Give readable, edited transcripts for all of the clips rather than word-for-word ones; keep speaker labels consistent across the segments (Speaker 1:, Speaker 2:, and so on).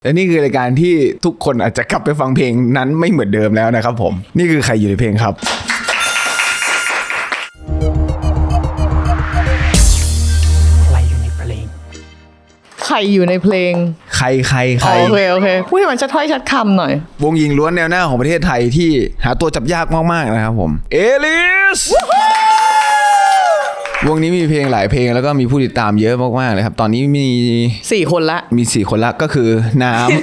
Speaker 1: และนี่คือรายการที่ทุกคนอาจจะกลับไปฟังเพลงนั้นไม่เหมือนเดิมแล้วนะครับผมนี่คือใครอยู่ในเพลงครับ
Speaker 2: ใครอยู่ในเพลง
Speaker 3: ใครอยู่ในเพลง
Speaker 1: ใคร
Speaker 3: โอเคพูดให้มันชัดถ้อยชัดคำหน่อยว
Speaker 1: งหญิงล้วนแนวหน้าของประเทศไทยที่หาตัวจับยากมากๆนะครับผมเอลิสวงนี้มีเพลงหลายเพลงแล้วก็มีผู้ติดตามเยอะมากๆเลยครับตอนนี้มี
Speaker 3: 4 คนละ
Speaker 1: มี4 คนละก็คือน้ำ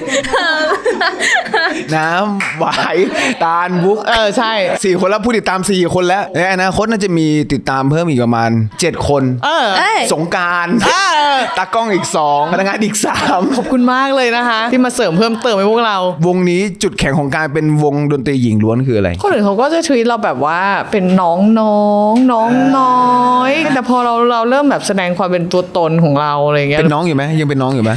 Speaker 1: น้ำหวายตาลบุ๊ก
Speaker 3: ใช่
Speaker 1: 4 คนแล้วผู้ติดตาม4 คนแล้วในอนาคตน่าจะมีติดตามเพิ่มอีกประมาณ7 คนสงกรานต์ตากล้องอีก2พนักงานอีก3
Speaker 3: ขอบคุณมากเลยนะคะที่มาเสริมเพิ่มเติมให้พวกเรา
Speaker 1: วงนี้จุดแข็งของการเป็นวงดนตรีหญิงล้วนคืออะไร
Speaker 3: คนอื่นเขาก็จะทวีตเราแบบว่าเป็นน้องน้อยแต่พอเราเริ่มแบบแสดงความเป็นตัวตนของเราอะไรเงี้ย
Speaker 1: เป็นน้องอยู่ไหมยังเป็นน้องอยู่ไหม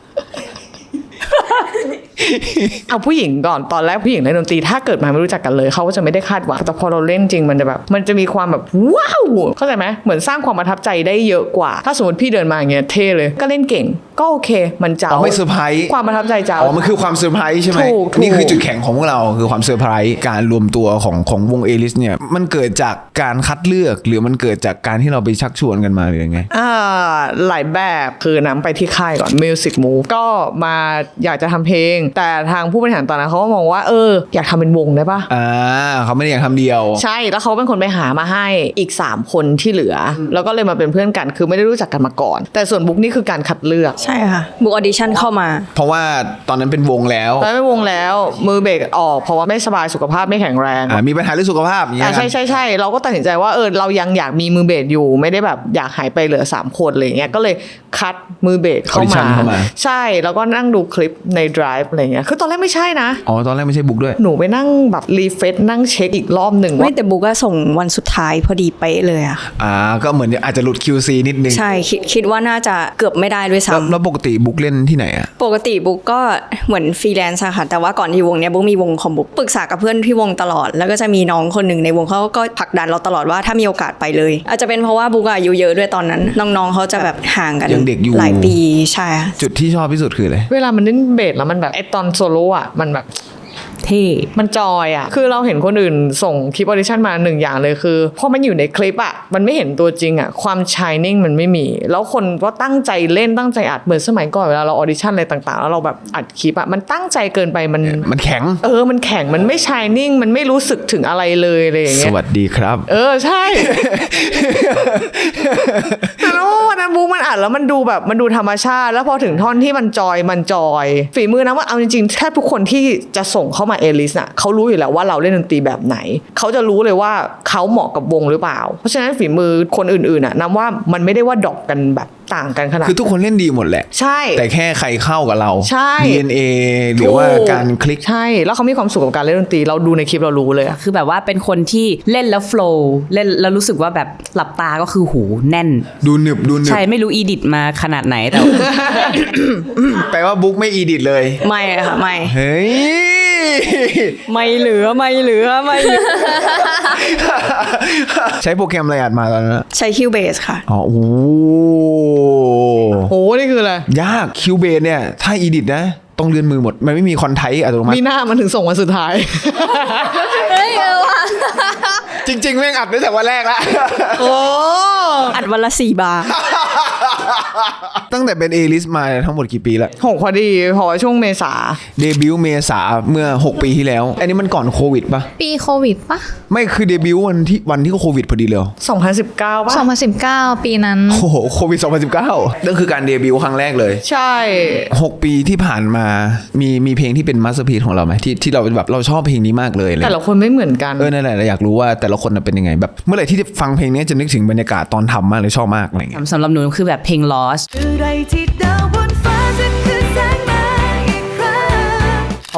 Speaker 3: เอาผู้หญิงก่อนตอนแรกผู้หญิงเล่นดนตรีถ้าเกิดมาไม่รู้จักกันเลยเขาก็จะไม่ได้คาดหวังแต่พอเราเล่นจริงมันจะแบบมันจะมีความแบบว้าวเข้าใจไหมเหมือนสร้างความประทับใจได้เยอะกว่าถ้าสมมติพี่เดินมาอย่างเงี้ยเท่เลยก็เล่นเก่งก็โอเคมันเจ้า
Speaker 1: ไม่เซอร์ไพรส์
Speaker 3: ความประทับใจเจ้า
Speaker 1: มันคือความเซอร์ไพรส์ใช่ไหมนี่คือจุดแข็งของพวกเราคือความเซอร์ไพรส์การรวมตัวของวงเอลิสเนี่ยมันเกิดจากการคัดเลือกหรือมันเกิดจากการที่เราไปชักชวนกันมาหรือยังไง
Speaker 3: หลายแบบคือน้ำไปที่ค่ายก่อน Music Move ก็มาอยากจะทำเพลงแต่ทางผู้บริหารตอนนั้นเขาก็มองว่าอยากทำเป็นวงได้ปะ
Speaker 1: เขาไม่ได้อยากทำเดียว
Speaker 3: ใช่แล้วเขาเป็นคนไปหามาให้อีก3 คนที่เหลือแล้วก็เลยมาเป็นเพื่อนกันคือไม่ได้รู้จักกันมาก่อนแต่ส่วนบุ๊กนี่คือการคัดเลือก
Speaker 4: ใช่ค่ะบุ๊กออดิชั่นเข้ามา
Speaker 1: เพราะว่าตอนนั้นเป็นวงแล้ว
Speaker 3: เป็นวงแล้วมือเบรกออกเพราะว่าไม่สบายสุขภาพไม่แข็งแรง
Speaker 1: มีปัญหาเรื่องสุขภาพอย่างเงี้ย
Speaker 3: ใช่เราก็ตัดสินใจว่าเรายังอยากมีมือเบรกอยู่ไม่ได้แบบอยากหายไปเหลือ3 คนอะไรเงี้ยก็เลยคัดมือเบสเข้ามาใช่แล้วก็นั่งดูคลิปใน Drive อะไรเงี้ยคือตอนแรกไม่ใช่นะ
Speaker 1: ตอนแรกไม่ใช่บุ๊กด้วย
Speaker 3: หนูไปนั่งแบบรีเฟซนั่งเช็คอีกรอบหนึ่ง
Speaker 4: ว่าแต่บุ๊กก็ส่งวันสุดท้ายพอดีเป๊ะเลยอะ
Speaker 1: ก็เหมือนอาจจะหลุด QC นิดนึง
Speaker 4: ใช่คิดว่าน่าจะเกือบไม่ได้ด้วยซ้
Speaker 1: ำแล้วปกติบุ๊กเล่นที่ไหนอะ
Speaker 4: ปกติบุ๊กก็เหมือนฟรีแลนซ์ค่ะแต่ว่าก่อนที่วงเนี้ยบุ๊กมีวงของบุ๊กปรึกษากับเพื่อนที่วงตลอดแล้วก็จะมีน้องคนหนึ่งในวงเขาก็ผลักดันเราตลอดว่าถ้ามีโอกาสไปเลยอาจจะเป็นเพราะว่าบุ๊กอายุเยอะด้วยตอนนั้นน้องๆเขาจะแบบห่างกัน
Speaker 1: ยังเด็กอยู่
Speaker 4: หลายปีใช่
Speaker 1: จุดที่ชอบที่สุดคืออะไร
Speaker 3: เวลามันเล่นเบสแล้วมันแบบไอตอนโซโล่อะมันแบบ
Speaker 4: เท่
Speaker 3: มันจอยอ่ะคือเราเห็นคนอื่นส่งคลิปออดิชั่นมา1 อย่างเลยคือพอมันอยู่ในคลิปอ่ะมันไม่เห็นตัวจริงอ่ะความชายนิ่งมันไม่มีแล้วคนก็ตั้งใจเล่นตั้งใจอัดเหมือนสมัยก่อนเวลาเราออดิชั่นอะไรต่างๆแล้วเราแบบอัดคลิปอ่ะมันตั้งใจเกินไป
Speaker 1: มันแข็ง
Speaker 3: มันแข็งมันไม่ชายนิ่งมันไม่รู้สึกถึงอะไรเลยอะไรอย่างเงี้ย
Speaker 1: สวัสดีครับ
Speaker 3: ใช่ แต่แล้ววันนั้นบุ๊กมันอัดแล้วมันดูแบบมันดูธรรมชาติแล้วพอถึงท่อนที่มันจอยฝีมือนะว่าเอาจริงๆแทบทุกคนที่จะส่งเข้ามาเอลิสเขารู้อยู่แล้วว่าเราเล่นดนตรีแบบไหนเขาจะรู้เลยว่าเขาเหมาะกับวงหรือเปล่าเพราะฉะนั้นฝีมือคนอื่นๆนับว่ามันไม่ได้ว่าดรอปกันแบบต่างกันขนาด
Speaker 1: คือทุกคนเล่นดีหมดแหละ
Speaker 3: ใช่
Speaker 1: แต่แค่ใครเข้ากับเรา
Speaker 3: ใช่
Speaker 1: DNA หรือว่าการคลิก
Speaker 3: ใช่แล้วเขามีความสุขกับการเล่นดนตรีเราดูในคลิปเรารู้เลย
Speaker 2: คือแบบว่าเป็นคนที่เล่นแล้วโฟลว์เล่นแล้วรู้สึกว่าแบบหลับตาก็คือหูแน่น
Speaker 1: ดูหนึบ
Speaker 2: ใช่ไม่รู้อีดิทมาขนาดไหนแต่
Speaker 1: แปลว่าบุ๊กไม่อีดิทเลย
Speaker 4: ไม่ค่ะไม่
Speaker 1: เฮ้ย
Speaker 4: ไม่เหลือ
Speaker 1: ใช้โปรแกรมอะไรอัดมาตอนนั้น
Speaker 4: ใช้ Cubase ค่ะ
Speaker 1: โอ้
Speaker 3: โหนี่คืออะไร
Speaker 1: ยาก Cubase เนี่ยถ้าอีดิทนะต้องเลื่อนมือหมดมันไม่มีคอนไทป์อัตโนมัติ
Speaker 3: มีหน้ามันถึงส่งวันสุดท้าย
Speaker 4: ว่ะ
Speaker 1: จริงๆแม่งอัดตั้งแต่วันแรกแล้ว
Speaker 4: อัดวันละ4 บาร์
Speaker 1: ตั้งแต่เป็นเอลิสมาทั้งหมดกี่ปีละ
Speaker 3: 6พอดีพอช่วงเมษา
Speaker 1: เดบิวต์เมษาเมื่อ6 ปีที่แล้วอันนี้มันก่อนโควิดปะ
Speaker 5: ปีโควิดปะ
Speaker 1: ไม่คือเดบิวต์วันที่โควิดพอดีเลย
Speaker 3: 2019ปะ
Speaker 5: 2019ปีนั้น
Speaker 1: โอ้โหโควิด2019นั่นคือการเดบิวต์ครั้งแรกเลย
Speaker 3: ใช่
Speaker 1: 6 ปีที่ผ่านมามีเพลงที่เป็นมาสเตอร์พีซของเราไหมที่เราแบบเราชอบเพลงนี้มากเลย
Speaker 3: แต่ละคนไม่เหมือนกัน
Speaker 1: นั่นแหละอยากรู้ว่าแต่ละคนเป็นยังไงแบบเมื่อไหร่ที่จะฟังเพลงนี้จะนึกถึงบรรยากาศตอนทำมากเลยชอบมากอะไรเงี้ย
Speaker 2: สำหรับหนูคือแบบเพลง Lost เพราะ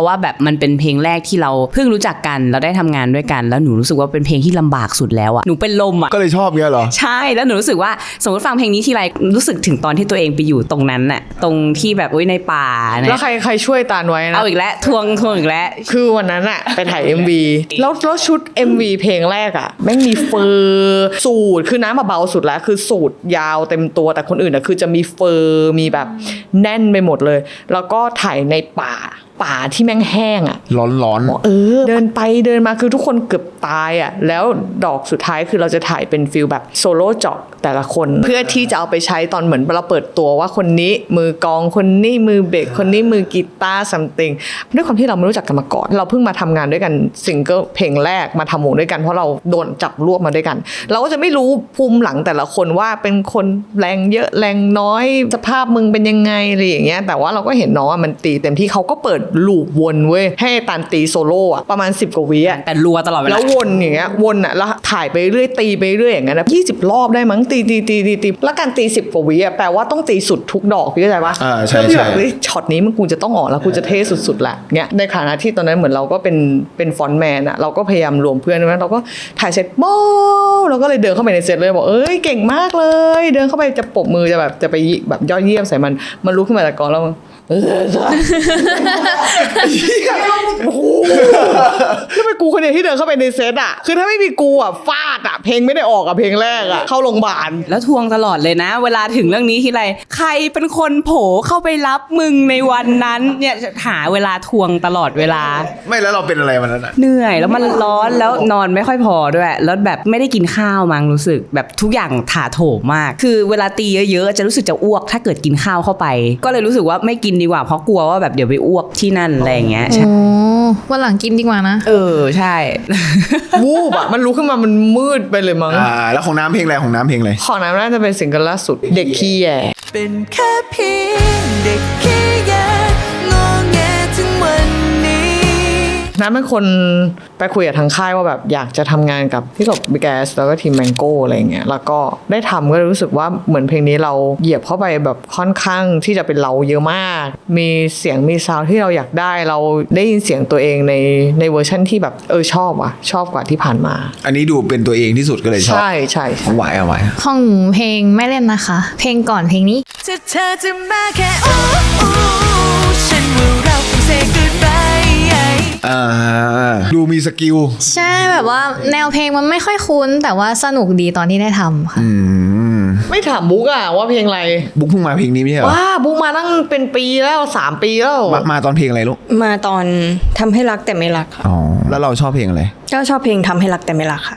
Speaker 2: ราะว่าแบบมันเป็นเพลงแรกที่เราเพิ่งรู้จักกันแล้วได้ทำงานด้วยกันแล้วหนูรู้สึกว่าเป็นเพลงที่ลำบากสุดแล้วอะหนูเป็นลมอะ
Speaker 1: ก็เลยชอบเงี้ยเหรอ
Speaker 2: ใช่แล้วหนูรู้สึกว่าสมมติฟังเพลงนี้ทีไรรู้สึกถึงตอนที่ตัวเองไปอยู่ตรงนั้นน่ะตรงที่แบบในป่านะ
Speaker 3: แล้วใครช่วยตาลไว้นะ
Speaker 2: เอาอีกแล้วทวงอีกแล้ว
Speaker 3: คือวันนั้นอะไปถ่าย MV แล้วชุด MV เพลงแรกอะแม่งมีเฟอร์สูทคือน้ำมาเบาสุดแล้วคือสูทยาวเต็มตัวแต่คนอื่นอะคือจะมีเฟอร์มีแบบแน่นไปหมดเลยแล้วก็ถ่ายในป่าที่แม่งแห้งอ่ะ
Speaker 1: ร้อน
Speaker 3: เดินไปเดินมาคือทุกคนเกือบตายอ่ะแล้วดอกสุดท้ายคือเราจะถ่ายเป็นฟิลแบบโซโล่เจาะแต่ละคนเพื่อที่จะเอาไปใช้ตอนเหมือนเราเปิดตัวว่าคนนี้มือกลองคนนี้มือเบสคนนี้มือกีตาร์ซัมติงด้วยความที่เราไม่รู้จักกันมาก่อนเราเพิ่งมาทำงานด้วยกันซิงเกิลเพลงแรกมาทำวงด้วยกันเพราะเราโดนจับรวบมาด้วยกันเราก็จะไม่รู้ภูมิหลังแต่ละคนว่าเป็นคนแรงเยอะแรงน้อยสภาพมึงเป็นยังไงอะไรอย่างเงี้ยแต่ว่าเราก็เห็นน้องมันตีเต็มที่เขาก็เปิดลูปวนเว้ยให้ตันตีโซโล่อะประมาณ10 กว่าวิอะ
Speaker 2: แต่รัวตลอดเวลา
Speaker 3: แล้ววนอย่างเงี้ยวนอะแล้วถ่ายไปเรื่อยตีไปเรื่อยอย่างเงี้ยนะ20 รอบได้มั้งตีแล้วการตี10 กว่าวิอะแปลว่าต้องตีสุดทุกดอกพี่เข้าใจปะ
Speaker 1: ใช่
Speaker 3: แบบช็อตนี้มันกูจะต้องออกแล้วกูจะเท่สุดๆแหละเงี้ยในขณะที่ตอนนั้นเหมือนเราก็เป็นฟอนต์แมนอะเราก็พยายามรวมเพื่อนนะเราก็ถ่ายเสร็จโม้เราก็เลยเดินเข้าไปในเซตเลยบอกเก่งมากเลยเดินเข้าไปจะปรบมือจะไปแบบยอดเยี่ยมใส่มันลุกขึ้นมาจากกองแล้วแล้วเป็นกูคนเดียวที่เดินเข้าไปในเซตอ่ะคือถ้าไม่มีกูอ่ะฟาดอ่ะเพลงไม่ได้ออกอ่ะเพลงแรกอ่ะเข้าโรงพยาบาล
Speaker 2: แล้วทวงตลอดเลยนะเวลาถึงเรื่องนี้ทีไรใครเป็นคนโผเข้าไปรับมึงในวันนั้นเนี่ยหาเวลาทวงตลอดเวลา
Speaker 1: ไม่แล้วเราเป็นอะไรวันนั้นอ่ะ
Speaker 2: เหนื่อยแล้วมันร้อนแล้วนอนไม่ค่อยพอด้วยแล้วแบบไม่ได้กินข้าวมั้งรู้สึกแบบทุกอย่างถาโถมมากคือเวลาตีเยอะๆจะรู้สึกจะอ้วกถ้าเกิดกินข้าวเข้าไปก็เลยรู้สึกว่าไม่กินดีกว่าเพราะกลัวว่าแบบเดี๋ยวไปอ้วกที่นั่นอะไรอย่างเงี้ยใช่
Speaker 5: วันหลังกินดีกว่านะ
Speaker 2: ใช่
Speaker 3: วูบอะมันลุกขึ้นมามันมืดไปเลยมั้ง
Speaker 1: แล้วของน้ำเพลงอะไรของน้ำ
Speaker 3: น่าจะเป็นซิงเกิลล่าสุดเด็กขี้แย่
Speaker 6: เป็นแค่เพียงเด็กขี้แย่งอแงถึงวันนี้
Speaker 3: น้ำเป็นคนไปคุยกับทางค่ายว่าแบบอยากจะทำงานกับพี่กบบิ๊กแอสแล้วก็ทีมแมงโก้อะไรเงี้ยแล้วก็ได้ทำก็รู้สึกว่าเหมือนเพลงนี้เราเหยียบเข้าไปแบบค่อนข้างที่จะเป็นเราเยอะมากมีเสียงมีซาวด์ที่เราอยากได้เราได้ยินเสียงตัวเองในเวอร์ชันที่แบบชอบกว่าที่ผ่านมา
Speaker 1: อันนี้ดูเป็นตัวเองที่สุดก็เลยชอบ
Speaker 3: ใช่
Speaker 1: เอาไหว
Speaker 5: ของเพลงไม่เล่นนะคะเพลงก่อนเพลงนี้
Speaker 6: เธอจะมาแค่ฉันว่าเราคง say goodbye
Speaker 1: ดูมีสกิล
Speaker 5: ใช่แบบว่าแนวเพลงมันไม่ค่อยคุ้นแต่ว่าสนุกดีตอนที่ได้ทำค่ะ
Speaker 3: ไม่ถามบุ๊กอะว่าเพลงอะไร
Speaker 1: บุ๊กเพิ่งมาเพลงนี้ไม่ใช่เหรอ
Speaker 3: ว้าบุ๊กมาตั้งเป็นปีแล้ว3 ปีแล้ว
Speaker 1: มาตอนเพลงอะไรลูก
Speaker 4: มาตอนทำให้รักแต่ไม่รักค่ะ
Speaker 1: แล้วเราชอบเพลงอะไร
Speaker 4: ก็ชอบเพลงทำให้รักแต่ไม่รักค่ะ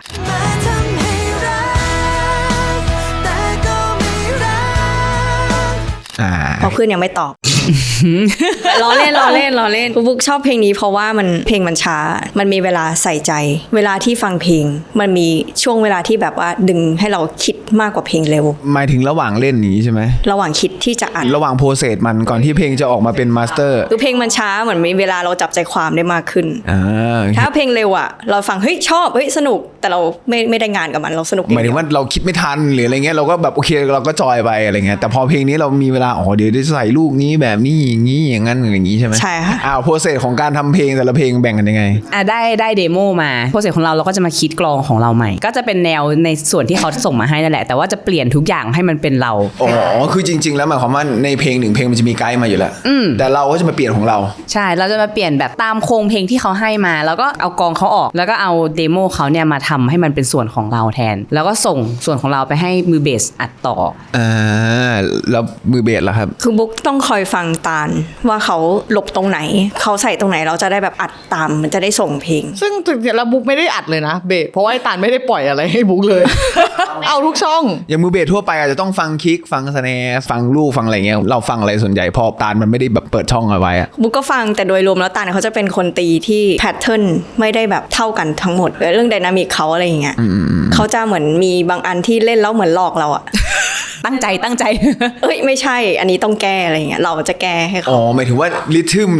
Speaker 4: เพราะเพื่อนยังไม่ตอบ ล้อเล่นบุ๊กชอบเพลงนี้เพราะว่าเพลงมันช้ามันมีเวลาใส่ใจเวลาที่ฟังเพลงมันมีช่วงเวลาที่แบบว่าดึงให้เราคิดมากกว่าเพลงเร็ว
Speaker 1: หมายถึงระหว่างเล่นนี้ใช่ไหม
Speaker 4: ระหว่างคิดที่จะอัด
Speaker 1: ระหว่างโปรเซสมันก่อนที่เพลงจะออกมาเป็นมาสเตอร์
Speaker 4: คือเพลงมันช้าเหมือนมีเวลาเราจับใจความได้มากขึ้นถ้าเพลงเร็วอ่ะเราฟังเฮ้ยชอบเฮ้ยสนุกแต่เราไม่ได้งานกับมันเราสนุก
Speaker 1: หมายถึงว่าเราคิดไม่ทันหรืออะไรเงี้ยเราก็แบบโอเคเราก็จอยไปอะไรเงี้ยแต่พอเพลงนี้เรามีเวลาเดี๋ยวจะใส่ลูกนี้แบบนี้อย่างนี้อย่างนั้นอย่างนี้ใช่ไหม
Speaker 4: ใช่ค่ะ
Speaker 1: โปรเซสของการทำเพลงแต่ละเพลงแบ่งกันยังไง
Speaker 2: ได้เดโมมาโปรเซสของเราก็จะมาคิดกลองของเราใหม่ก็จะเป็นแนวในส่วนที่เขาส่งมาให้นั่นแหละแต่ว่าจะเปลี่ยนทุกอย่างให้มันเป็นเรา
Speaker 1: คือจริงๆแล้วหมายความว่าในเพลง1เพลงมันจะมีไกด์มาอยู่แล้วแต่เราก็จะมาเปลี่ยนของเรา
Speaker 2: ใช่เราจะมาเปลี่ยนแบบตามโครงเพลงที่เขาให้มาแล้วก็เอากลองเขาออกแล้วก็เอาเดโมเขาเนี่ยมาทำให้มันเป็นส่วนของเราแทนแล้วก็ส่งส่วนของเราไปให้มือเบสอัดต่อ
Speaker 1: แล้วมือเบสล่ะครับ
Speaker 4: คือบุ๊กต้องคอยฟังตาลว่าเขาหลบตรงไหนเขาใส่ตรงไหนเราจะได้แบบอัดตามมันจะได้ส่งเพลง
Speaker 3: ซึ่งจริงๆแล้วบุ๊กไม่ได้อัดเลยนะเบสเพราะว่าไอ้ตาลไม่ได้ปล่อยอะไรให้บุ๊กเลย เอาทุกช่อง
Speaker 1: อย่างมือเบสทั่วไปอาจจะต้องฟังคิกฟังสแนร์ฟังลูกฟังอะไรเงี้ยเราฟังอะไรส่วนใหญ่พอตาลมันไม่ได้แบบเปิดช่องเอาไว้
Speaker 4: บุ๊กก็ฟังแต่โดยรวมแล้วตาลเขาจะเป็นคนตีที่แพทเทิร์นไม่ได้แบบเท่ากันทั้งหมดเรื่องไดนามิกเขาอะไรอย่างเงี้ยเขาจะเหมือนมีบางอันที่เล่นแล้วเหมือนหลอกเราอะ
Speaker 2: ตั้งใจ
Speaker 4: ไม่ใช่อันนี้ต้องแก้อะไรอย่างเงี้ยเราจะแก้ให้เขา
Speaker 1: หมายถึงว่าริทึมเนี่ยแพ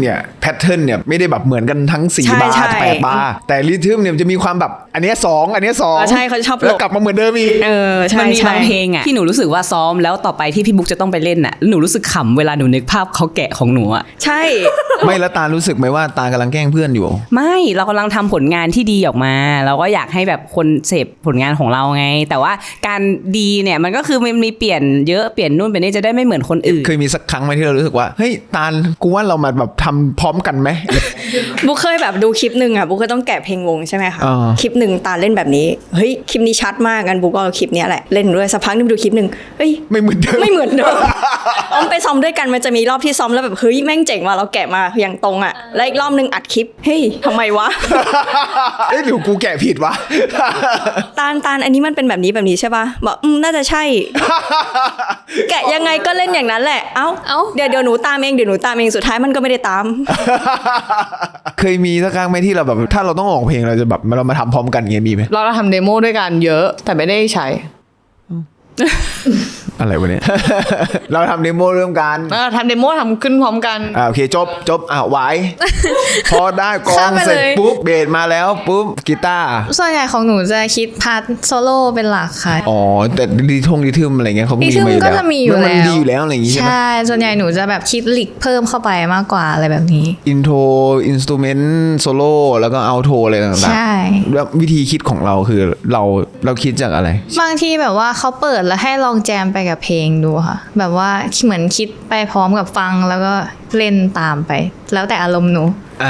Speaker 1: แพทเทิร์นเนี่ยไม่ได้แบบเหมือนกันทั้ง4
Speaker 4: ใช่
Speaker 1: บาร์
Speaker 4: ใช่
Speaker 1: 8 บาร์แต่ริทึมเนี่ยมันจะมีความแบบอันเนี้ย2อันเนี้ย2
Speaker 4: ใช่เขาชอบหลบ
Speaker 1: แล้วกลับมาเหมือนเดิมอีก
Speaker 4: ใช่
Speaker 2: มันมี
Speaker 4: ใช่
Speaker 2: บางเพลงอ่ะที่หนูรู้สึกว่าซ้อมแล้วต่อไปที่พี่บุ๊กจะต้องไปเล่นอ่ะหนูรู้สึกขำเวลาหนูนึกภาพเขาแกะของหนูอ่ะ
Speaker 4: ใช่
Speaker 1: ไม่แล้วตารู้สึกไหมว่าตากำลังแกล้งเพื่อนอยู่
Speaker 2: ไม่เรากำลังทำผลงานที่ดีออกมา เราก็อยากให้แบบคนเสพผลงานของเราไง แต่ว่าการดีเนี่ยมันก็คือมันมีเปลี่ยนเยอะเปลี่ยนนู่นเปลี่ยนนี่จะได้ไม่เหมือนคนอื่น
Speaker 1: เคยมีสักครั้งไหมที่เรารู้สึกว่าเฮ้ยตาลกูว่าเรามาแบบทำพร้อมกันไหม
Speaker 4: บุ๊กเคยแบบดูคลิปหนึ่งอ่ะบุ๊กก็ต้องแกะเพลงวงใช่ไหมคะ
Speaker 1: อ่า
Speaker 4: คลิปหนึ่งตาเล่นแบบนี้เฮ้ยคลิปนี้ชัดมากกันบุ๊กก็เอาคลิปเนี้ยแหละเล่นด้วยสักพักนึงไปดูคลิปหนึ่งเฮ้ย
Speaker 1: ไม่เหมือนเดิม
Speaker 4: ไม่เหมือนเดิม ออมไปซ้อมด้วยกันมันจะมีรอบที่ซ้อมแล้วแบบเฮ้ยแม่งเจ๋งว่ะเราแกะมาอย่างตรงอ่ะแล้วอีกรอบนึงอัดคลิปเฮ้ยทำไมวะ
Speaker 1: เอ้ยหรือกูแกะผิดวะ
Speaker 4: ตาลอันนี้มันเป็นแบบนี้ใช่ป่ะบอกน่าจะใช่ แกะยังไงก็เล่นอย่างนั้นแหละเอ้าเดี๋ยวหนูตามเองสุดท้ายมันก็ไม่ได้ตาม
Speaker 1: เคยมีสักครั้งไหมที่เราแบบถ้าเราต้องออกเพลงเราจะแบบเรามาทำพร้อมกันอย่างเงี้ยมีไหม
Speaker 3: เราทำเดโมด้วยกันเยอะแต่ไม่ได้ใช้
Speaker 1: อะไรวะเนี่ย เราทำเดโมเริ่มกัน
Speaker 3: ทำเดโมทำขึ้นพร้อมกัน
Speaker 1: โอเคจบไว้ พอได้กลอง
Speaker 5: ข้ามไป
Speaker 1: เสร็จ
Speaker 5: เลย
Speaker 1: ปุ๊บเบสมาแล้วปุ๊บกีตาร์
Speaker 5: ส่วนใหญ่ของหนูจะคิดพาร์ทโซโล่เป็นหลักค่ะ
Speaker 1: อ๋อแต่ดีทึมอะไรเงี้ยเขาก็มี
Speaker 5: ดีทึม
Speaker 1: มาอยู่
Speaker 5: ก็
Speaker 1: แล้ว
Speaker 5: จะมีอยู่
Speaker 1: มัน
Speaker 5: แล้ว
Speaker 1: ดีอยู่แล้วอะไรอย่างงี้ใช่ไหม
Speaker 5: ใช่ส่วนใหญ่หนูจะแบบคิดลิกเพิ่มเข้าไปมากกว่าอะไรแบบนี้
Speaker 1: อินโทรอินสตูเมนต์โซโล่แล้วก็เอาโทรอะไรต่าง
Speaker 5: ใช่
Speaker 1: ๆแล้ววิธีคิดของเราคือเราคิดจากอะไร
Speaker 5: บางทีแบบว่าเขาเปิดแล้วให้ลองแจมไปกับเพลงดูค่ะ แบบว่าเหมือนคิดไปพร้อมกับฟังแล้วก็เล่นตามไป แล้วแต่อารมณ์หนู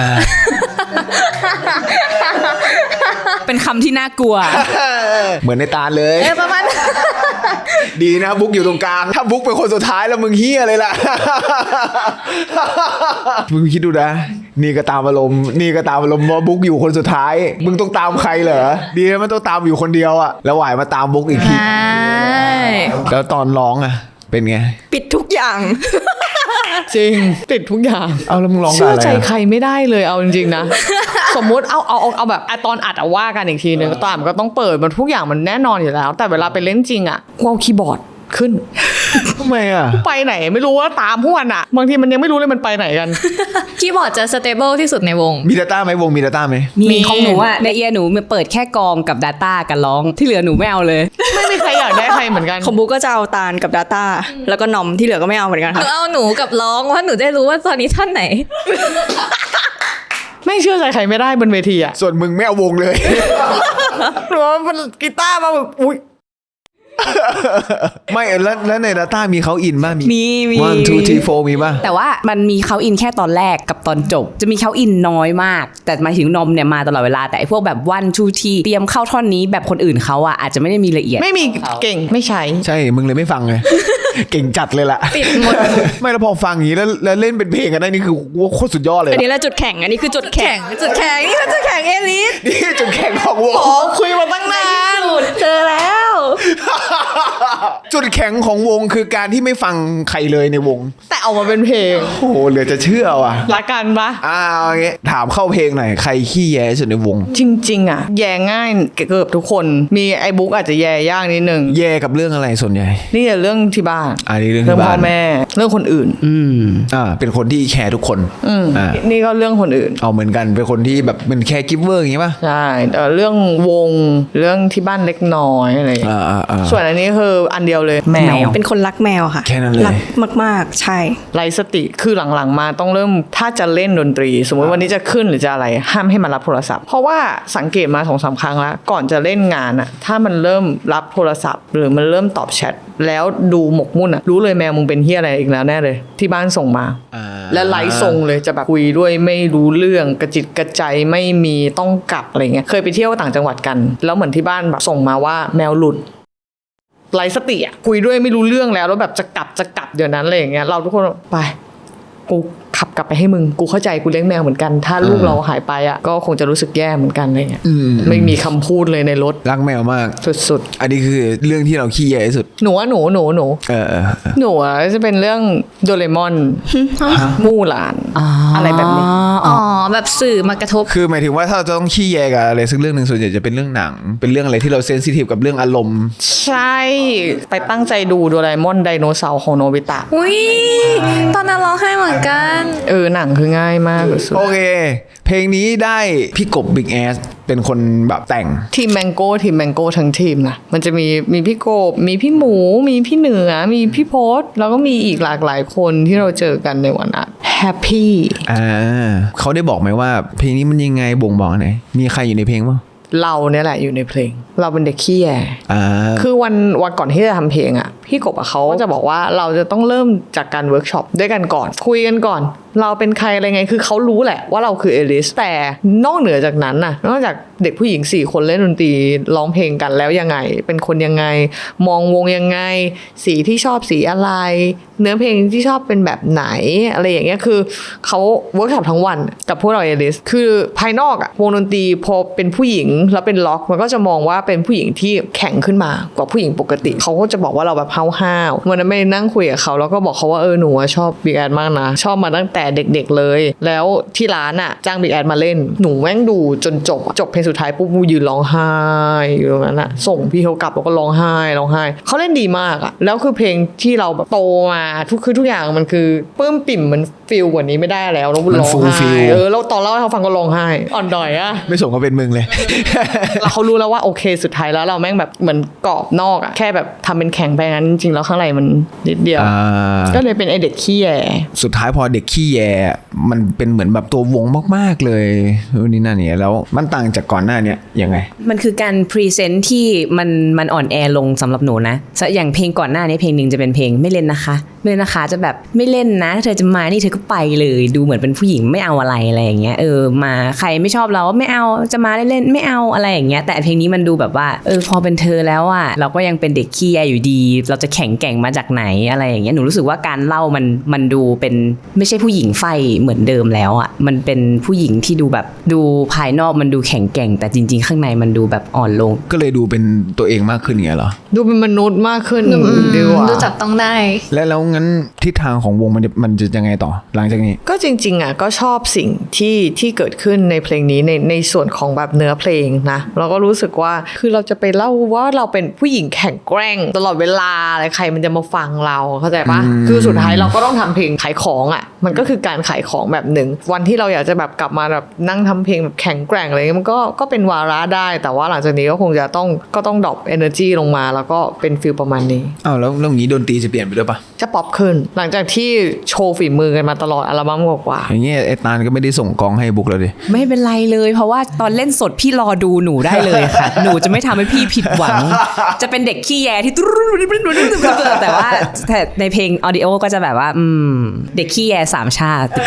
Speaker 2: เป็นคำที่น่ากลัว
Speaker 1: เหมือนในตาเลย
Speaker 5: ประมาณ
Speaker 1: ดีนะบุ๊กอยู่ตรงกลาง ถ้าบุ๊กเป็นคนสุดท้ายแล้วมึงเฮียเลยล่ะ มึงคิดดูนะ นี่ก็ตามอารมณ์ว่าบุ๊กอยู่คนสุดท้าย มึงต้องตามใครเหรอ ดีนะมันต้องตามอยู่คนเดียวอะแล้วไหวมาตามบุ๊กอีกที
Speaker 5: ใช่
Speaker 1: แล้วตอนร้องอะเป็นไง
Speaker 4: ปิดทุกอย่าง
Speaker 3: จริงติดทุกอย่าง
Speaker 1: เอาแล้วมึงร้องกับ
Speaker 3: เชื่อ
Speaker 1: อะไร
Speaker 3: ใจ
Speaker 1: อะ
Speaker 3: ใครไม่ได้เลยเอาจริงๆนะ สมมุติเอาแบบตอนอัดว่ากันอีกทีนึงตอนอัดมันก็ต้องเปิดมันทุกอย่างมันแน่นอนอยู่แล้ว แต่เวลาไปเล่นจริงอ่ะกูเอาคีย์บอร์ดขึ้น
Speaker 1: ทำไมอะ
Speaker 3: ไปไหนไม่รู้ว่าตามพวกมันอ่ะบางทีมันยังไม่รู้เลยมันไปไหนกัน
Speaker 5: คีย์บอร์ดจะสเตเบิลที่สุดในวง
Speaker 1: มี Data ไหมวงมี Data ไหม
Speaker 2: มีของหนูอะในเอียร์หนูมันเปิดแค่กองกับ Data กันร้องที่เหลือหนูไม่เอาเลย
Speaker 3: ไม่มีใครอยากได้ใครเหมือนกัน
Speaker 4: ของบุ๊กก็จะเอาตาลกับ Data แล้วก็นอมที่เหลือก็ไม่เอาเหมือนกัน
Speaker 5: หนู
Speaker 4: ค่ะ
Speaker 5: เอาหนูกับร้องว่าหนูได้รู้ว่าตอนนี้ท่านไหน
Speaker 3: ไม่เชื่อใจใครไม่ได้บนเวทีอ่ะ
Speaker 1: ส่วนมึงไม่เอาวงเลย
Speaker 3: หรือว่ามันกีตาร์มาแบบอุ้ย
Speaker 1: ไม่แล้วใน Data มีเขาอินป่ะ
Speaker 2: มี
Speaker 1: 1 2 3 4มีป่ะ
Speaker 2: แต่ว่ามันมีเขาอินแค่ตอนแรกกับตอนจบ จะมีเขาอินน้อยมาก แต่หมายถึงนมเนี่ยมาตลอดเวลาแต่ไอ้พวกแบบ1 2 3เตรียมเข้าท่อนนี้แบบคนอื่นเขาอะอาจจะไม่ได้มีละเอียด
Speaker 3: ไม่มีเก่งไม่ใช้
Speaker 1: ใช่มึงเลยไม่ฟังไง เก่งจัดเลยล่ะ
Speaker 5: ปิดหมด
Speaker 1: ไม่แล้วพอฟังอย่างนี้แล้วเล่นเป็นเพลงกันได้นี่คือว่าโคตรสุดยอดเลย
Speaker 4: อันนี้
Speaker 1: นะ
Speaker 4: แหละจุดแข็งอันนี้คือจุดแข็งนี่คือจุดแข็งเอลิส
Speaker 1: นี่จุดแข็งของวง
Speaker 3: อ๋อคุยมาตั้งนาน
Speaker 4: เจอแล้ว
Speaker 1: จุดแข็งของวงคือการที่ไม่ฟังใครเลยในวง
Speaker 3: แต่เอามาเป็นเพลง
Speaker 1: โอ้โหเหลือจะเชื่อว่ะ
Speaker 3: รักกันปะ
Speaker 1: เอาอย่างเงี้ยถามเข้าเพลงหน่อยใครขี้แย่ที่สุดในวง
Speaker 3: จริงๆอ่ะแย่ง่ายเกือบทุกคนมีไอ้บุ๊กอาจจะแย่ยากนิดนึง
Speaker 1: แย่กับเรื่องอะไรส่วนใหญ่
Speaker 3: นี่แหละเรื่องที่บ้าน
Speaker 1: อันนี้เรื่องที่บ้าน
Speaker 3: พ่อแม่เรื่องคนอื่น
Speaker 1: เป็นคนที่แคร์ทุกคนอ่า
Speaker 3: นี่ก็เรื่องคนอื่น
Speaker 1: เอาเหมือนกันเป็นคนที่แบบเป็นแคร์กิฟเวอร์อย่างงี้ป่ะ
Speaker 3: ใช่เรื่องวงเรื่องที่บ้านเล็กน้อยอะไรอย่างเงี้ย
Speaker 1: อ่า
Speaker 3: ส่วนอันนี้คืออันเดียวเลยแมว
Speaker 4: เป็นคนรักแมวค่ะ
Speaker 1: แค่นั้นเลย
Speaker 4: รักมากๆ ใช่
Speaker 3: ไร้สติคือหลังๆมาต้องเริ่มถ้าจะเล่นดนตรี สมมติวันนี้จะขึ้นหรือจะอะไรห้ามให้มันรับโทรศัพท์ เพราะว่าสังเกตมา2-3 ครั้งแล้วก่อนจะเล่นงานอะถ้ามันเริ่มรับโทรศัพท์ หรือมันเริ่มตอบแชทแล้วดูหมกมุ่นอะรู้เลยแมวมึงเป็นเฮียอะไรอีกแล้วแน่เลย ที่บ้านส่งมา และไลฟ์ส่งเลยจะแบบคุยด้วยไม่รู้เรื่องกระจิตกระใจไม่มีต้องกลับอะไรเงี้ยเคยไปเที่ยวต่างจังหวัดกัน แล้วเหมือนที่บ้านแบบส่งมาว่าแมวหลุดไร้สติอ่ะคุยด้วยไม่รู้เรื่องแล้วแบบจะกลับเดี๋ยวนั้นอะไรอย่างเงี้ยเราทุกคนไปกูขับกลับไปให้มึงกูเข้าใจกูเลี้ยงแมวเหมือนกัน ถ้าลูกเราหายไปอ่ะก็คงจะรู้สึกแย่เหมือนกันอะไรเงี้ยไม่มีคำพูดเลยในรถ
Speaker 1: รักแมวมาก
Speaker 3: สุด
Speaker 1: อันนี้คือเรื่องที่เราขี้แย่ที่สุด
Speaker 3: ๆหนูอะหนู
Speaker 1: เออ
Speaker 3: หนูจะเป็นเรื่องโดเรมอนมู่หลานอะไรแบบนี้
Speaker 5: อ๋อแบบสื่อมากระทบ
Speaker 1: คือหมายถึงว่าถ้าเราจะต้องขี้แยกับอะไรสักเรื่องหนึ่งส่วนใหญ่จะเป็นเรื่องหนัง เป็นเรื่องอะไรที่เราเซนซิทีฟกับเรื่องอารมณ์
Speaker 3: ใช่ไปตั้งใจดูโดราเอมอนไดโนเสาร์ของโนบิตะ
Speaker 5: อุ้ยตอนนั้นร้องไห้เหมือนกัน
Speaker 3: หนังคือง่ายมากสุด
Speaker 1: โอเค เพลงนี้ได้พี่กบ Big Ass เป็นคนแบบแต่ง
Speaker 3: ทีมแมงโก้ทั้งทีมนะมันจะมีพี่กบมีพี่หมูมีพี่เหนือมีพี่โพสแล้วก็มีอีกหลากหลายคนที่เราเจอกันในวันนั้นแฮปปี้
Speaker 1: เขาได้บอกไหมว่าเพลงนี้มันยังไงบ่งบอกไหนมีใครอยู่ในเพลงบ้าง
Speaker 3: เราเนี่ยแหละอยู่ในเพลงเราเป็นเด็กขี้แย คือวันก่อนที่จะทำเพลงอ่ะพี่กบเขาก็จะบอกว่าเราจะต้องเริ่มจากการเวิร์กช็อปด้วยกันก่อนคุยกันก่อนเราเป็นใครอะไรไงคือเขารู้แหละว่าเราคือเอลิสแต่นอกเหนือจากนั้นน่ะนอกจากเด็กผู้หญิง4คนเล่นดนตรีร้องเพลงกันแล้วยังไงเป็นคนยังไงมองวงยังไงสีที่ชอบสีอะไรเนื้อเพลงที่ชอบเป็นแบบไหนอะไรอย่างเงี้ยคือเขาเวิร์กช็อปทั้งวันกับพวกเราเอลิสคือภายนอกอะวงดนตรีพอเป็นผู้หญิงแล้วเป็นล็อกมันก็จะมองว่าเป็นผู้หญิงที่แข็งขึ้นมากว่าผู้หญิงปกติเขาก็จะบอกว่าเราแบบห้าวๆวันนั้นไม่นั่งคุยกับเขาแล้วก็บอกเขาว่าหนูชอบบิ๊กแอดมากนะชอบมาตั้งแต่เด็กๆเลยแล้วที่ร้านอะจ้างบิ๊กแอดมาเล่นหนูแม่งดูจนจบเพลงสุดท้ายปุ๊บยืนร้องไห้อยู่ตรงนั้นอะส่งพี่เขากลับแล้วก็ร้องไห้เขาเล่นดีมากอะแล้วคือเพลงที่เราแบบโตมาทุกอย่างมันคือปลื้มปิ่มมันฟีลกว่านี้ไม่ได้แล้วเราร้องไห้แล้วตอนเล่าให้เขาฟังก็ร้องไห้อ่อนดอยอะ
Speaker 1: ไม่สมกับเป็นมึงเลย
Speaker 3: แล้วเขารู้แล้วว่าโอเคสุดท้ายแล้วเราแม่งแบบเหมือนกรอบนอกอะแค่แบบทำเป็นแข็งไปงั้นจริงๆแล้วข้างในมันนิดเดียวก็เลยเป็นไอเด็กขี้แย
Speaker 1: สุดท้ายพอเด็กขี้แยมันเป็นเหมือนแบบตัววงมากๆเลยนี่นั่นเนี่ยแล้วมันต่างจากก่อนหน้าเนี่ยยังไง
Speaker 2: มันคือการพรีเซนต์ที่มันอ่อนแอลงสำหรับหนูนะอย่างเพลงก่อนหน้านี้เพลงหนึ่งจะเป็นเพลงไม่เล่นนะคะจะแบบไม่เล่นนะถ้าเธอจะมานี่เธอก็ไปเลยดูเหมือนเป็นผู้หญิงไม่เอาอะไรอย่างเงี้ยมาใครไม่ชอบเราไม่เอาจะมาเล่นไม่เอาอะไรอย่างเงี้ยแต่เพลงนี้มันดูแบบว่าพอเป็นเธอแล้วอ่ะเราก็ยังเป็นเด็กขี้แยอยู่ดีเราจะแข็งแกร่งมาจากไหนอะไรอย่างเงี้ยหนูรู้สึกว่าการเล่ามันดูเป็นไม่ใช่ผู้หญิงไฟเหมือนเดิมแล้วอ่ะมันเป็นผู้หญิงที่ดูแบบดูภายนอกมันดูแข็งแกร่งแต่จริงๆข้างในมันดูแบบอ่อนลง
Speaker 1: ก็เลยดูเป็นตัวเองมากขึ้นอย่างเงี้ยเหรอ
Speaker 3: ดูเป็นมนุษย์มากขึ้นดีกว่า
Speaker 5: ดูจับต้องได้
Speaker 1: แล้วงั้นทิศทางของวงมันจะยังไงต่อหลังจากนี้
Speaker 3: ก็จริงๆอ่ะก็ชอบสิ่งที่เกิดขึ้นในเพลงนี้ในส่วนของแบบเนื้อเพลงนะเราก็รู้สึกว่าคือเราจะไปเล่าว่าเราเป็นผู้หญิงแข็งแกร่งตลอดเวลาอะไรใครมันจะมาฟังเราเข้าใจปะคือสุดท้ายเราก็ต้องทำเพลงขายของอ่ะมันก็คือการขายของแบบหนึ่งวันที่เราอยากจะแบบกลับมาแบบนั่งทำเพลงแบบแข็งแกร่งอะไรเงี้ยมันก็เป็นวาระได้แต่ว่าหลังจากนี้ก็คงจะต้องดรอป energy ลงมาแล้วก็เป็นฟีลประมาณนี้
Speaker 1: แล้วอย่างนี้ดนตรีจะเปลี่ยนไปด้วยปะ
Speaker 3: จะป๊อปขึ้นหลังจากที่โชว์ฝีมือกันมาตลอดอัลบั้มกว่า
Speaker 1: อย่างเงี้ยไอ้ตาลก็ไม่ได้ส่งกองให้บุ๊กแล้วดิ
Speaker 2: ไม่เป็นไรเลยเพราะว่าตอนเล่นสดพี่รอดูหนูได้เลยค่ะ หนูจะไม่ทำให้พี่ผิดหวังจะเป็นเด็กขี้แยที่แต่ว่าในเพลงออดิโอก็จะแบบว่าเด็กขี้แยสามชาติ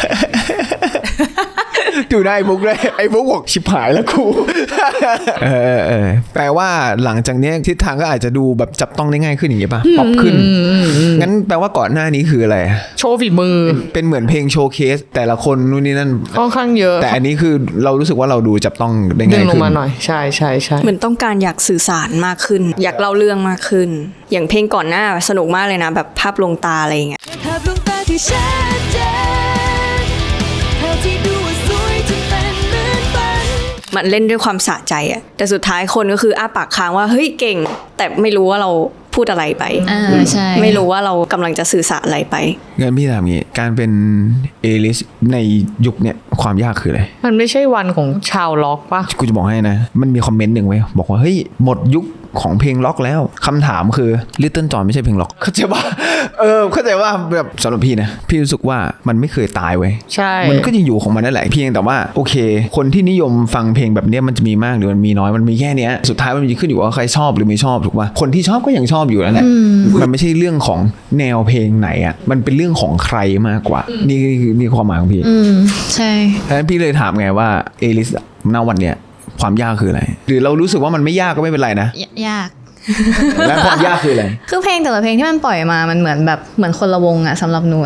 Speaker 1: ดูได้บุ๊กเลยไอ้บุ๊กบอกชิบหายแล้วกูแปลว่าหลังจากนี้ทิศทางก็อาจจะดูแบบจับต้องได้ง่ายขึ้นอย่างเงี้ยป่ะป๊อปขึ้นงั้นแปลว่าก่อนหน้านี้คืออะไร
Speaker 3: โชว์ฝีมือ
Speaker 1: เป็นเหมือนเพลงโชว์เคสแต่ละคนนู่นนี่นั่น
Speaker 3: ค่อนข้างเยอะ
Speaker 1: แต่อันนี้คือเรารู้สึกว่าเราดูจับต้องได้ง่ายขึ้น
Speaker 3: ดึงลงมาหน่อยใช่
Speaker 4: เหมือนต้องการอยากสื่อสารมากขึ้นอยากเล่าเรื่องมากขึ้นอย่างเพลงก่อนหน้าสนุกมากเลยนะแบบภาพลวงตาอะไรอย่างเงี้ยภาพลวงตาที่ชัดเจนภาพที่ดูสวยจนเป็นเหมือนฝันมันเล่นด้วยความสะใจอะแต่สุดท้ายคนก็คืออ้าปากค้างว่าเฮ้ยเก่งแต่ไม่รู้ว่าเราพูดอะไรไป
Speaker 5: ใช่
Speaker 4: ไม่รู้ว่าเรากำลังจะสื่อสารอะไรไป
Speaker 1: งั้นพี่ถามงี้การเป็นเอลิสในยุคเนี้ยความยากคืออะไร
Speaker 3: มันไม่ใช่วันของชาวล็อกป่ะ
Speaker 1: กูจะบอกให้นะมันมีคอมเมนต์หนึ่งไว้บอกว่าเฮ้ยหมดยุคของเพลงล็อกแล้วคำถามคือ Little John ไม่ใช่เพลงล็อกเข้าใจว่าเข้าใจว่าแบบสำหรับพี่นะพี่รู้สึกว่ามันไม่เคยตายเว้ย
Speaker 3: ใช่
Speaker 1: มันก็ยังอยู่ของมันนั่นแหละเพียงแต่ว่าโอเคคนที่นิยมฟังเพลงแบบนี้มันจะมีมากหรือมันมีน้อยมันมีแค่เนี้ยสุดท้ายมันมีขึ้นอยู่ว่าใครชอบหรือไม่ชอบถูกป่ะคนที่ชอบก็ยังชอบอยู่นั่นแหละมันไม่ใช่เรื่องของแนวเพลงไหนอ่ะมันเป็นเรื่องของใครมากกว่านี่ความหมายของพี่
Speaker 5: ใช่
Speaker 1: ฉะนั้นพี่เลยถามไงว่าเอลิสณวันเนี้ยความยากคืออะไรหรือเรารู้สึกว่ามันไม่ยากก็ไม่เป็นไรนะ
Speaker 5: ยาก
Speaker 1: แล้วความยากคืออะไร
Speaker 5: คือเพลงแต่ละเพลงที่มันปล่อยมามันเหมือนคนละวงอะสำหรับหนูนะ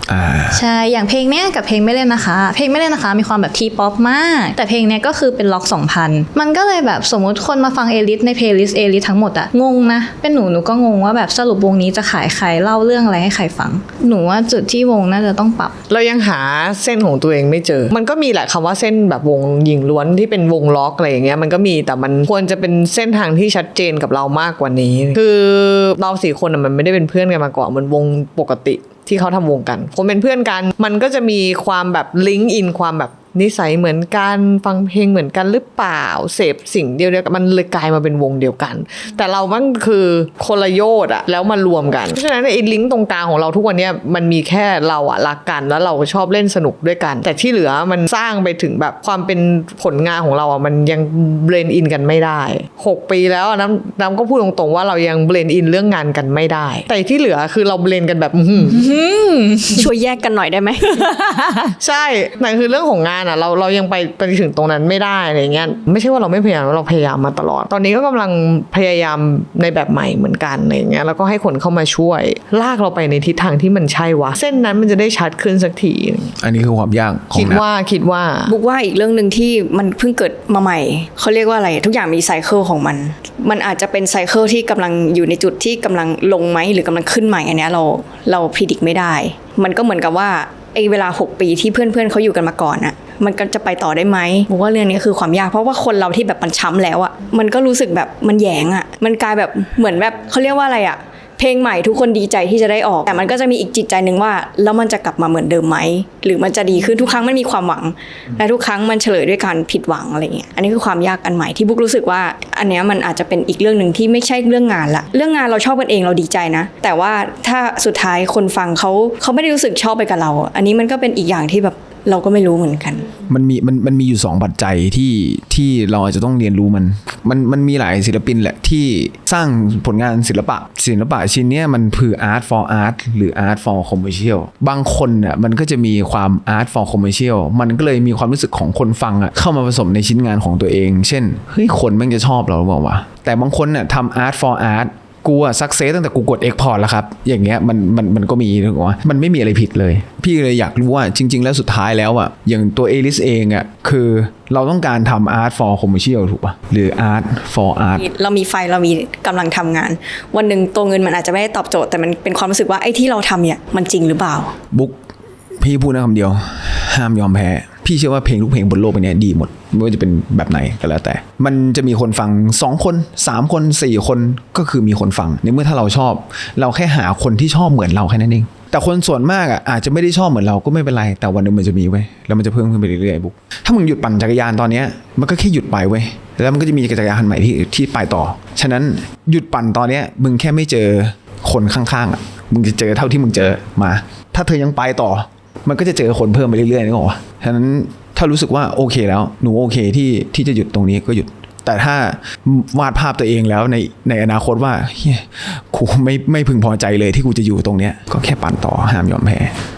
Speaker 5: ใช่อย่างเพลงเนี้ยกับเพลงไม่เล่นนะคะเพลงไม่เล่นนะคะมีความแบบทีป๊อปมากแต่เพลงเนี้ยก็คือเป็นล็อก 2000มันก็เลยแบบสมมติคนมาฟังเอลิสในเพลย์ลิสต์เอลิสทั้งหมดอะงงนะเป็นหนูก็งงว่าแบบสรุปวงนี้จะขายใครเล่าเรื่องอะไรให้ใครฟังหนูว่าจุดที่วงน่าจะต้องปรับ
Speaker 3: เรายังหาเส้นของตัวเองไม่เจอมันก็มีแหละคำว่าเส้นแบบวงหญิงล้วนที่เป็นวงล็อกอะไรอย่างเงี้ยมันก็มีแต่มันควรจะเป็นเส้นทางที่ชัดเจนกับเรามากกว่านี้คือเรา4 คนมันไม่ได้เป็นเพื่อนกันมาก่อนมันวงปกติที่เขาทำวงกันคนเป็นเพื่อนกันมันก็จะมีความแบบลิงก์อินความแบบนิสัยเหมือนกันฟังเพลงเหมือนกันหรือเปล่าเสพสิ่งเดียวกันมันเลยกลายมาเป็นวงเดียวกันแต่เรามันคือคนละโยชน์อะแล้วมารวมกันเพราะฉะนั้นไอ้ลิงก์ตรงกลางของเราทุกวันนี้มันมีแค่เราอะรักกันแล้วเราชอบเล่นสนุกด้วยกันแต่ที่เหลือมันสร้างไปถึงแบบความเป็นผลงานของเราอะมันยังเบลนด์อินกันไม่ได้6 ปีแล้วน้ำก็พูดตรงๆว่าเรายังเบลนด์อินเรื่องงานกันไม่ได้แต่ที่เหลือคือเราเบลนด์กันแบบ
Speaker 4: ช่วยแยกกันหน่อยได้ไหม
Speaker 3: ใช่นั่นคือเรื่องของงานเรายังไปถึงตรงนั้นไม่ได้อะไรเงี้ยไม่ใช่ว่าเราไม่พยายามเราพยายามมาตลอดตอนนี้ก็กำลังพยายามในแบบใหม่เหมือนกันอะไรเงี้ยแล้วก็ให้คนเข้ามาช่วยลากเราไปในทิศทางที่มันใช่วะเส้นนั้นมันจะได้ชัดขึ้นสักที
Speaker 1: อันนี้คือความยากของ
Speaker 3: คิดว่า
Speaker 4: บุ๊กว่าอีกเรื่องนึงที่มันเพิ่งเกิดมาใหม่เขาเรียกว่าอะไรทุกอย่างมีไซเคิลของมันอาจจะเป็นไซเคิลที่กำลังอยู่ในจุดที่กำลังลงไหมหรือกำลังขึ้นใหม่อันเนี้ยเราพิจิตรไม่ได้มันก็เหมือนกับว่าไอ้เวลา6 ปีที่เพื่อนเขาอยู่กันมาก่อนอะมันก็จะไปต่อได้ไหมบอกว่าเรื่องนี้คือความยากเพราะว่าคนเราที่แบบมันช้ำแล้วอะมันก็รู้สึกแบบมันแยงอะมันกลายแบบเหมือนแบบเขาเรียกว่าอะไรอะเพลงใหม่ทุกคนดีใจที่จะได้ออกแต่มันก็จะมีอีกจิตใจนึงว่าแล้วมันจะกลับมาเหมือนเดิมไหมหรือมันจะดีขึ้นทุกครั้งมันมีความหวังและทุกครั้งมันเฉลยด้วยการผิดหวังอะไรเงี้ยอันนี้คือความยากอันใหม่ที่บุ๊กรู้สึกว่าอันเนี้ยมันอาจจะเป็นอีกเรื่องนึงที่ไม่ใช่เรื่องงานละเรื่องงานเราชอบกันเองเราดีใจนะแต่ว่าถ้าสุดท้ายคนฟังเขาไม่ได้รู้สึกชอบไปกับเราอันนี้มันก็เป็นอีกอย่างที่แบบเราก็ไม่รู้เหมือนกัน
Speaker 1: มันมีอยู่2 ปัจจัยที่เราอาจจะต้องเรียนรู้มันมีหลายศิลปินแหละที่สร้างผลงานศิลปะชิ้นเนี้ยมันคือ art for art หรือ art for commercial บางคนน่ะมันก็จะมีความ art for commercial มันก็เลยมีความรู้สึกของคนฟังอ่ะเข้ามาผสมในชิ้นงานของตัวเองเช่นเฮ้ยคนแม่งจะชอบเราหรือเปล่าวะแต่บางคนน่ะทำ art for artกูอะซักเซสตั้งแต่กูกด export แล้วครับอย่างเงี้ยมันก็มีถูกไหมมันไม่มีอะไรผิดเลยพี่เลยอยากรู้ว่าจริงๆแล้วสุดท้ายแล้วอะอย่างตัวเอลิสเองอะคือเราต้องการทำ art for commercial ถูกป่ะหรือ art for art
Speaker 4: เรามีไฟเรามีกำลังทำงานวันหนึ่งตัวเงินมันอาจจะไม่ได้ตอบโจทย์แต่มันเป็นความรู้สึกว่าไอ้ที่เราทำเนี่ยมันจริงหรือเปล่า
Speaker 1: บุ๊กพี่พูดนะคำเดียวห้ามยอมแพ้พี่เชื่อว่าเพลงทุกเพลงบนโลกใบนี้ดีหมดไม่ว่าจะเป็นแบบไหนก็แล้วแต่มันจะมีคนฟัง2 คน3 คน4 คนก็คือมีคนฟังในเมื่อถ้าเราชอบเราแค่หาคนที่ชอบเหมือนเราแค่นั้นเองแต่คนส่วนมากอ่ะอาจจะไม่ได้ชอบเหมือนเราก็ไม่เป็นไรแต่วันนึงมันจะมีเว้ยแล้วมันจะเพิ่มขึ้นไปเรื่อยๆบุ๊กถ้ามึงหยุดปั่นจักรยานตอนเนี้ยมันก็แค่หยุดไปเว้ยแล้วมันก็จะมีจักรยานใหม่ที่ไปต่อฉะนั้นหยุดปั่นตอนเนี้ยมึงแค่ไม่เจอคนข้างๆอ่ะมึงจะเจอเท่าที่มึงเจอมาถ้าเธอยังไปต่อมันก็จะเจอคนเพิ่มไปเรื่อยๆนึกออกป่ะฉะนั้นถ้ารู้สึกว่าโอเคแล้วหนูโอเคที่จะหยุดตรงนี้ก็หยุดแต่ถ้าวาดภาพตัวเองแล้วในอนาคตว่ากูไม่พึงพอใจเลยที่กูจะอยู่ตรงเนี้ยก็แค่ปั่นต่อห้ามยอมแพ้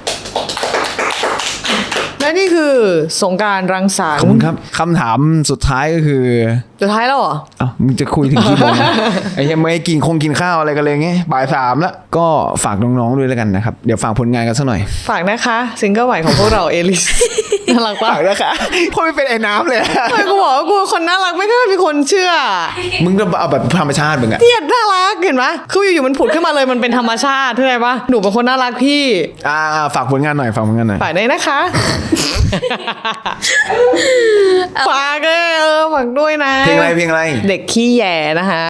Speaker 3: และนี่คือสงกรานต์รังสรรค์
Speaker 1: ขอบคุณครับคำถามสุดท้ายก็คือ
Speaker 3: สุดท้ายแล้วเหรอ
Speaker 1: อ้าวมึงจะคุยถึงกี่โมง ไอ้ยังไม่กินข้าวอะไรกันเลยไงบ่าย 3แล้วก็ฝากน้องๆด้วยแล้วกันนะครับเดี๋ยวฝากผลงานกันสักหน่อย
Speaker 3: ฝากนะคะซิงเกิลใหม่ของพวกเราเอลิสน่ารักป่ะ
Speaker 1: ฝากนะคะเพราะไม่เป็นไอ้น้ำเลย
Speaker 3: ไม่กูบอกว่ากูคนน่ารักไม่เคยมีคนเชื่อ
Speaker 1: มึงก็เอาแบบธรรมชาติมึงอะ
Speaker 3: เนี่ยน่ารักเห็นไหมคืออยู่ๆมันผุดขึ้นมาเลยมันเป็นธรรมชาติเข้าใจปะหนูเป็นคนน่ารักพี่
Speaker 1: ฝากผลงานหน่อยฝาก
Speaker 3: ได้นะคะฝากเลยฝากด้วยนะ
Speaker 1: เพลงอะไร
Speaker 3: เด็กขี้แย่นะคะ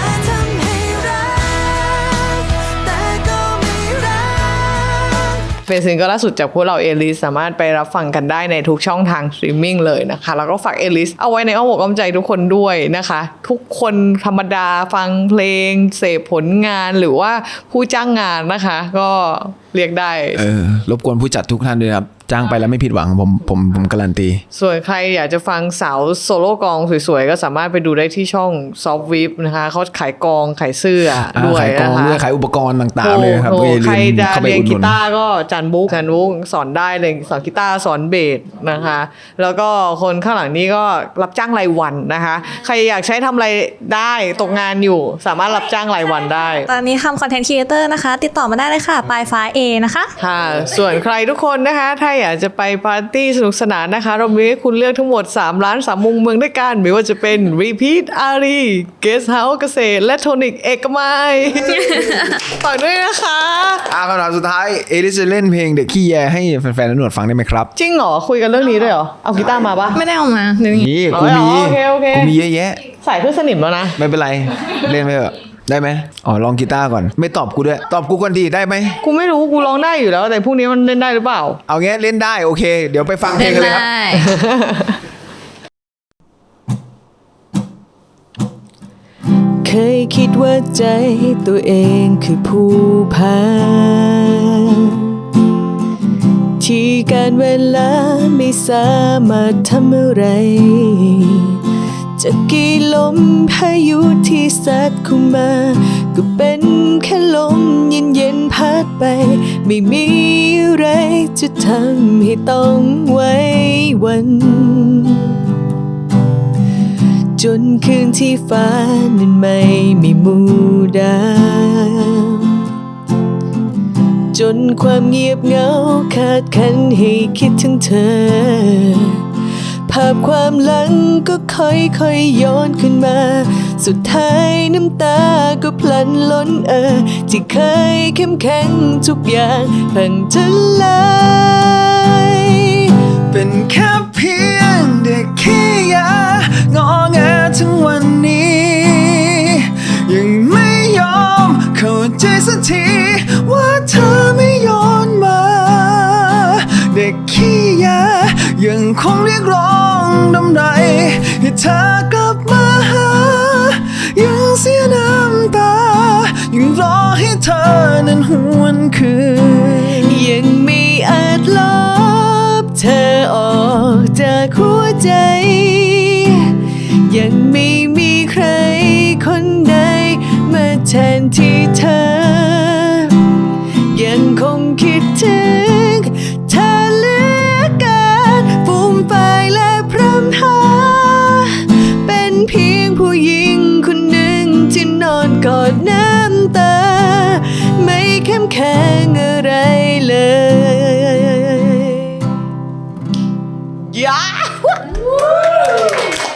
Speaker 3: เป็นซิงเกิลล่าสุดจากพวกเราเอลิสสามารถไปรับฟังกันได้ในทุกช่องทางสตรีมมิ่งเลยนะคะแล้วก็ฝากเอลิสเอาไว้ในอ้อมอกอ้อมใจทุกคนด้วยนะคะทุกคนธรรมดาฟังเพลงเสพผลงานหรือว่าผู้จ้างงานนะคะก็เรียกได้
Speaker 1: รบกวนผู้จัดทุกท่านด้วยครับจ้างไปแล้วไม่ผิดหวังผมการันตี
Speaker 3: ส่วนใครอยากจะฟังสาวโซโล่กองสวยๆ ก็สามารถไปดูได้ที่ช่อง Soft Whip นะคะเขาขายกองขายเสื้อด้วย
Speaker 1: ขายกอง
Speaker 3: นะคะ
Speaker 1: ด้วยขายอุปกรณ์ต่างๆเลยครับ
Speaker 3: โอ้โห
Speaker 1: อย่าลืม
Speaker 3: ใครจะ
Speaker 1: เข้าไป
Speaker 3: เรียน
Speaker 1: อุดหนุน
Speaker 3: กีตาร์ก็จันบุ๊กสอนได้เลยสอนกีตาร์สอนเบสนะคะ แล้วก็คนข้างหลังนี้ก็รับจ้างรายวันนะคะ ใครอยากใช้ทำอะไรได้ตกงานอยู่ สามารถรับจ้างรายวันได้
Speaker 5: ตอนนี้ทำคอนเทนต์ครีเอเตอร์นะคะ ติดต่อมาได้เลยค่ะปลายฟ้า A นะคะ
Speaker 3: ค่ะ ส่วนใครทุกคนนะคะ ถ้าอยากจะไปปาร์ตี้สนุกสนานนะคะ เรามีให้คุณเลือกทั้งหมด3 ร้าน3มุมเมืองด้วยกัน ไม่ว่าจะเป็น Repeat อารีเกสเฮาส์เกษตรและโทนิกเอกมัย ฝากด้วยนะคะ
Speaker 1: คำถามสุดท้ายเอลิสจะเล่นเพลงเด็กขี้แยให้แฟนๆและหนวดฟังได้ไหมครับ
Speaker 3: จริงเหรอ คุยกันเรื่องนี้ด้วยเหรอ เอากีตาร์มาปะ
Speaker 5: ไม่ได้เอามาเดี๋ยวนี้
Speaker 1: นี่
Speaker 3: อ๋อ
Speaker 1: กูมี
Speaker 3: โอเคโอเค
Speaker 1: กูมีเยอะแยะ
Speaker 3: ใส่เพื่อสนิมแล้วนะ
Speaker 1: ไม่เป็นไร เล่นไปเถอะได้ไหมอ๋อลองกีตาร์ก่อน ไม่ตอบกูด้วย ตอบกูก่อนดีได้ไหม
Speaker 3: กูไม่รู้กูร้องได้อยู่แล้ว แต่พรุ่งนี้มันเล่นได้หรือเปล่า
Speaker 1: เอางี้เล่นได้โอเค เดี๋ยวไปฟังเพล
Speaker 5: เล่
Speaker 1: ง
Speaker 5: น
Speaker 1: กันเลยครับ
Speaker 5: ได้
Speaker 6: เคยคิดว่าใจตัวเองคือผู้พาที่การเวลาไม่สามารถทำอะไร จะกี่ลมพายุที่ซัดเข้ามา ก็เป็นแค่ลมเย็นๆพัดไป ไม่มีอะไรจะทำให้ต้องไว้วัน จนคืนที่ฟ้านั้นไม่มีหมู่ดาวจนความเงียบเหงาขาดคันให้คิดถึงเธอ ภาพความหลังก็ค่อยๆย้อนขึ้นมา สุดท้ายน้ำตาก็พลันล้นที่เคยเข้มแข็งทุกอย่างพังทลาย
Speaker 1: เป็นแค่เพียงเด็กขี้ยางอแงถึงวันนี้ ยังไม่ยอมเข้าใจสักทีว่าเธอไม่ย้อนมา เด็กขี้ยายังคงเรียกร้องดำไรให้เธอกลับมาหา ยังเสียน้ำตา ยังรอให้เธอนั้นหวนคืน
Speaker 6: ยังไม่อาจลบเธอออกจากหัวใจ ยังไม่มีใครคนใดมาแทนที่เธอ ยังคงคิดถึงเธอเหลือเกินฟูมไฟและพร่ำหา เป็นเพียงผู้หญิงคนหนึ่งที่นอนกอดน้ำตา ไม่เข้มแข็งอะไรเลย
Speaker 3: ยา